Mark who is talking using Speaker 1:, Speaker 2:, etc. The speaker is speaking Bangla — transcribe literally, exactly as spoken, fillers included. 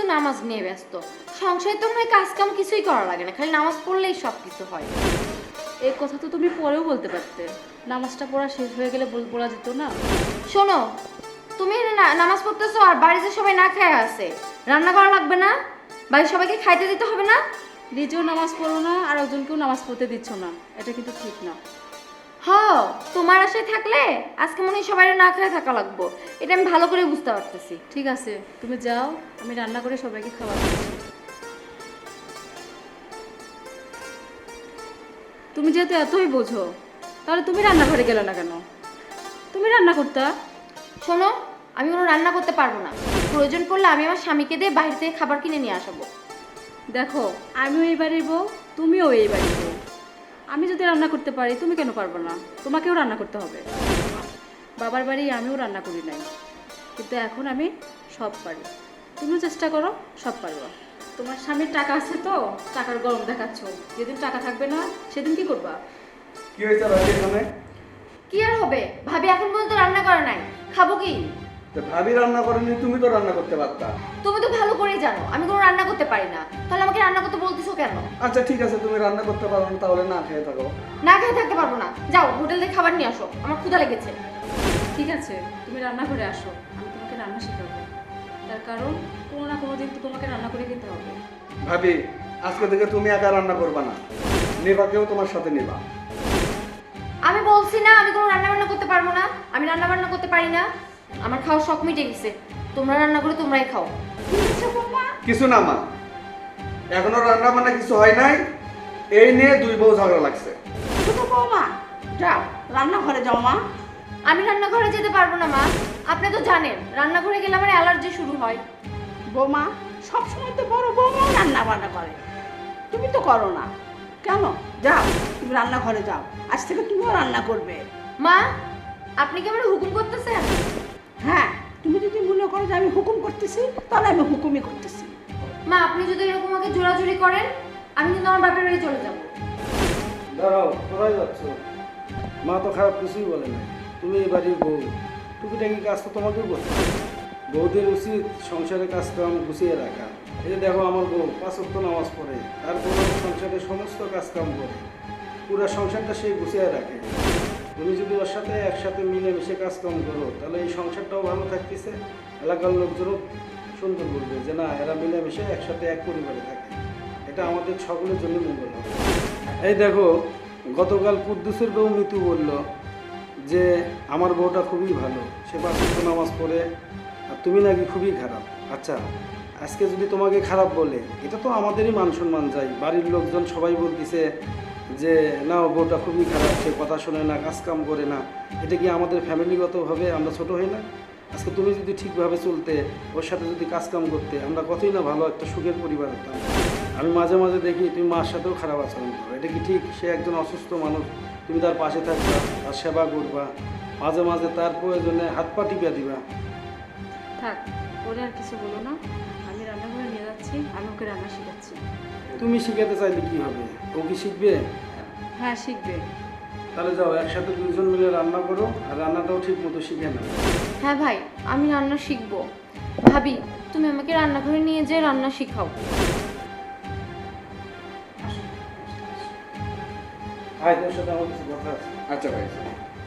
Speaker 1: নামাজ নিয়ে ব্যস্ত। সংসারে তো মনে হয় কাজ কাম কিছুই করা লাগে না, খালি নামাজ পড়লেই সব কিছু হয়।
Speaker 2: এই কথা তো তুমি পরেও বলতে পারতে, নামাজটা পড়া শেষ হয়ে গেলে বল- বলা যেত না?
Speaker 1: শোনো, তুমি না- নামাজ পড়তেছো আর বাড়িতে সবাই না খায় আছে, রান্না করা লাগবে না? বাড়ির সবাইকে খাইতে দিতে হবে না?
Speaker 2: নিজেও নামাজ পড়ো না আর একজনকেও নামাজ পড়তে দিচ্ছ না, এটা কিন্তু ঠিক না।
Speaker 1: হ, তোমার আশায় থাকলে আজকে মনে হয় সবাই না খায় থাকা লাগবো, এটা আমি ভালো করে বুঝতে পারতেছি।
Speaker 2: ঠিক আছে, তুমি যাও, আমি রান্না করে সবাইকে খাবার দিচ্ছি। তুমি যেহেতু এতই বোঝো, তাহলে তুমি রান্নাঘরে গেলে না কেন? তুমি রান্না করতা।
Speaker 1: শোনো, আমি কোনো রান্না করতে পারবো না, প্রয়োজন পড়লে আমি আমার স্বামীকে দিয়ে বাইরে থেকে খাবার কিনে নিয়ে আসবো।
Speaker 2: দেখো, আমিও এই বাড়ির বউ, তুমিও এই বাড়ির বউ। আমি যদি রান্না করতে পারি, তুমি কেন পারবে না? তোমাকেও রান্না করতে হবে। বাবার বাড়ি আমিও রান্না করি নাই, কিন্তু এখন আমি সব পারি। তুমিও চেষ্টা করো, সব পারবা। তোমার স্বামীর টাকা আছে তো টাকার গরম দেখাচ্ছ, যেদিন টাকা থাকবে না সেদিন কি করবা?
Speaker 3: কি হয়েছে ভাবি এখানে?
Speaker 1: কি আর হবে, ভাবি এখন পর্যন্ত রান্না করে নাই, খাবো কি?
Speaker 3: তো ভাবি রান্না করেনি, তুমি তো রান্না করতে পারতা।
Speaker 1: তুমি তো ভালো করেই জানো আমি কোনো রান্না করতে পারি না, তাহলে আমাকে রান্না করতে বলতেছো কেন?
Speaker 3: আচ্ছা ঠিক আছে, তুমি রান্না করতে পারো না, তাহলে না খেয়ে থাকো।
Speaker 1: না খেয়ে থাকতে পারবো না, যাও হোটেল থেকে খাবার নিয়ে আসো, আমার ক্ষুধা লেগেছে।
Speaker 2: ঠিক আছে, তুমি রান্না করে আসো, আমি তোমাকে রান্না শেখাবো। তার কারণ কোনো না কোনো দিন তো তোমাকে রান্না করে খেতে হবে।
Speaker 3: ভাবি, আজকে থেকে তুমি একা রান্না করবা না, নেবাকেও তোমার সাথে নেবা।
Speaker 1: আমি বলছি না আমি কোনো রান্না বান্না করতে পারবো না, আমি রান্না বান্না করতে পারি না, আমার খাওয়ার শখ মিটে গেছে, তোমরা রান্না করে তোমরাই খাও।
Speaker 3: কিছু না মা, এখনো রান্না বান্না কিছু হয় নাই, এই নিয়ে দুই বউ ঝগড়া লাগছে।
Speaker 4: ছোট বৌমা, যাও রান্নাঘরে যাও মা।
Speaker 1: আমি রান্নাঘরে যেতে পারবো না মা, আপনি তো জানেন রান্নাঘরে গেলে আমার অ্যালার্জি শুরু হয়।
Speaker 4: বৌমা সবসময় তো বড় বৌমাও রান্না বান্না করে, তুমি তো করো না কেন? যাও তুমি রান্নাঘরে যাও, আজ থেকে তুমিও রান্না করবে।
Speaker 1: মা, আপনি কি আমার হুকুম করতেছেন?
Speaker 4: হ্যাঁ, তুমি যদি মনে করো যে আমি হুকুম করতেছি, তাহলে আমি হুকুমই করতেছি।
Speaker 1: মা, আপনি যদি এরকম আমাকে জোরাজুরি করেন আমি কিন্তু আমার বাপের বাড়ি চলে যাবো।
Speaker 5: দাঁড়াও, কোথায় যাচ্ছ? মা তো খারাপ কিছুই বলে না, তুমি এই বাড়ির বউ, টুকিটাকি কাজ তো তোমাকেও করতে হবে। বউদের উচিত সংসারের কাজ কাম গুছিয়ে রাখা। এই যে দেখো, আমার বউ পাঁচ ওয়াক্ত নামাজ পড়ে, তারপর সংসারের সমস্ত কাজ কাম করে, পুরো সংসারটা সে গুছিয়ে রাখে। তুমি যদি ওর সাথে একসাথে মিলেমিশে কাজ কাম করো, তাহলে এই সংসারটাও ভালো থাকতেছে, এলাকার লোকজনও সুন্দর বলবে যে না, এরা মিলেমিশে একসাথে এক পরিবারে থাকে। এটা আমাদের সকলের জন্য মঙ্গল হবে। এই দেখো, গতকাল কুদ্দুসের বউ মিতু বলল যে আমার বউটা খুবই ভালো, সে পাঁচ ওয়াক্ত নামাজ পড়ে, আর তুমি নাকি খুবই খারাপ। আচ্ছা, আজকে যদি তোমাকে খারাপ বলে, এটা তো আমাদেরই মান সম্মান যায়। বাড়ির লোকজন সবাই বলতেছে যে না, ও বউটা খুবই খারাপ, সে কথা শোনে না, কাজ কাম করে না। এটা কি আমাদের ফ্যামিলিগতভাবে আমরা ছোট হই না? আজকে তুমি যদি ঠিকভাবে চলতে, ওর সাথে যদি কাজ কাম করতে, আমরা কতই না ভালো একটা সুখের পরিবার হতাম। আমি মাঝে মাঝে দেখি তুমি মার সাথেও খারাপ আচরণ করো, এটা কি ঠিক? সে একজন অসুস্থ মানুষ, তুমি তার পাশে থাকবা, তার সেবা করবা, মাঝে মাঝে তার প্রয়োজনে হাত পা টিপা দিবা।
Speaker 2: থাক, ওরে আর কিছু বলো না, আমি রান্নাঘরে নিয়ে যাচ্ছি, আমি ওকে রান্না শেখাচ্ছি।
Speaker 5: তুমি শিখাতে চাইলে কি হবে? ও কি শিখবে?
Speaker 2: হ্যাঁ, শিখবে।
Speaker 5: তাহলে যাও, একসাথে দুজন মিলে রান্না করো, আর রান্নাটাও ঠিক মতো শিখে নাও।
Speaker 1: হ্যাঁ ভাই, আমি রান্না শিখবো। ভাবি, তুমি আমাকে রান্নাঘরে নিয়ে যেয়ে রান্না শিখাও।
Speaker 5: ভাই, তোর সাথে আমার কিছু কথা আছে।
Speaker 3: আচ্ছা ভাই।